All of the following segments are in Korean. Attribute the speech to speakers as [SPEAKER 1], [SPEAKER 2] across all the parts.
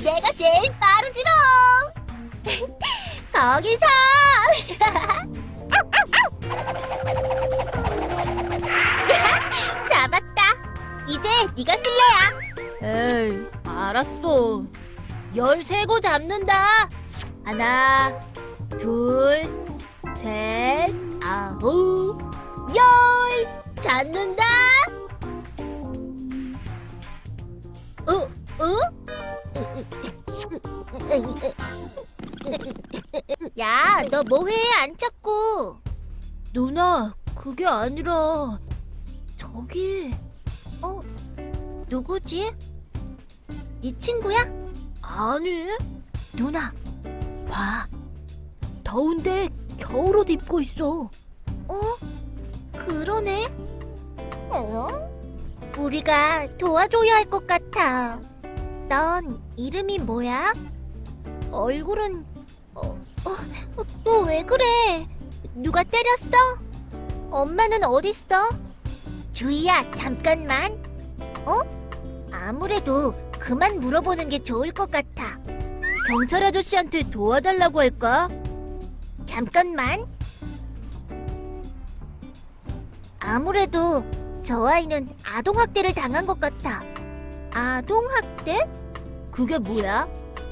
[SPEAKER 1] 내가 제일 빠르지롱. 거기서. 잡았다. 이제 네가 쓸래야.
[SPEAKER 2] 에이, 알았어. 13고 잡는다. 하나, 둘, 셋, 아홉, 열. 잡는다.
[SPEAKER 1] 야, 너 뭐해? 안 찾고.
[SPEAKER 2] 누나, 그게 아니라 저기.
[SPEAKER 1] 누구지? 네 친구야?
[SPEAKER 2] 아니, 누나, 봐. 더운데 겨울옷 입고 있어.
[SPEAKER 1] 그러네. 우리가 도와줘야 할 것 같아. 넌 이름이 뭐야? 얼굴은 또 왜 그래? 누가 때렸어? 엄마는 어딨어? 주희야, 잠깐만. 아무래도 그만 물어보는 게 좋을 것 같아.
[SPEAKER 2] 경찰 아저씨한테 도와달라고 할까?
[SPEAKER 1] 잠깐만. 아무래도 저 아이는 아동학대를 당한 것 같아. 아동학대?
[SPEAKER 2] 그게 뭐야?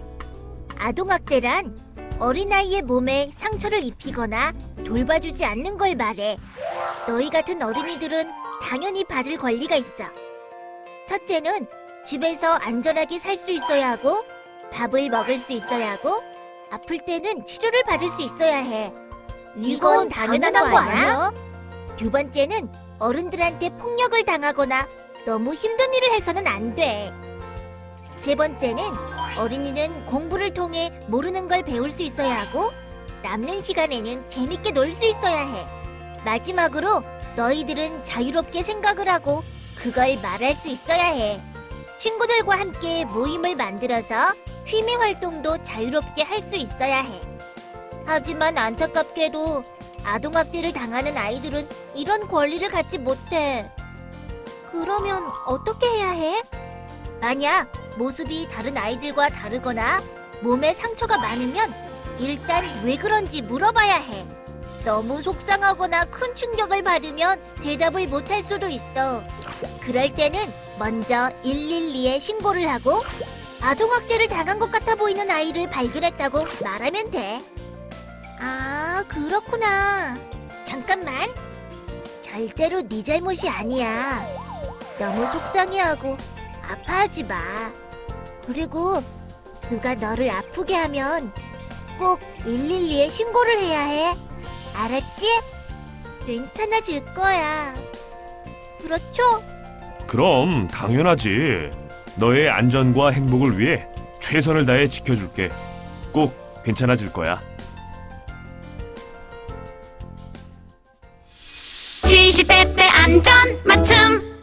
[SPEAKER 1] 아동학대란 어린아이의 몸에 상처를 입히거나 돌봐주지 않는 걸 말해. 너희 같은 어린이들은 당연히 받을 권리가 있어. 첫째는 집에서 안전하게 살 수 있어야 하고, 밥을 먹을 수 있어야 하고, 아플 때는 치료를 받을 수 있어야 해. 이건 당연한 거 아니야? 두 번째는 어른들한테 폭력을 당하거나 너무 힘든 일을 해서는 안 돼. 세 번째는 어린이는 공부를 통해 모르는 걸 배울 수 있어야 하고, 남는 시간에는 재밌게 놀 수 있어야 해. 마지막으로 너희들은 자유롭게 생각을 하고 그걸 말할 수 있어야 해. 친구들과 함께 모임을 만들어서 취미 활동도 자유롭게 할 수 있어야 해. 하지만 안타깝게도 아동학대를 당하는 아이들은 이런 권리를 갖지 못해. 그러면 어떻게 해야 해? 만약 모습이 다른 아이들과 다르거나 몸에 상처가 많으면 일단 왜 그런지 물어봐야 해. 너무 속상하거나 큰 충격을 받으면 대답을 못할 수도 있어. 그럴 때는 먼저 112에 신고를 하고 아동학대를 당한 것 같아 보이는 아이를 발견했다고 말하면 돼. 아, 그렇구나. 잠깐만. 절대로 네 잘못이 아니야. 너무 속상해하고 아파하지 마. 그리고 누가 너를 아프게 하면 꼭 112에 신고를 해야 해. 알았지? 괜찮아질 거야. 그렇죠?
[SPEAKER 3] 그럼 당연하지. 너의 안전과 행복을 위해 최선을 다해 지켜줄게. 꼭 괜찮아질 거야.
[SPEAKER 4] 시시때때 안전 맞춤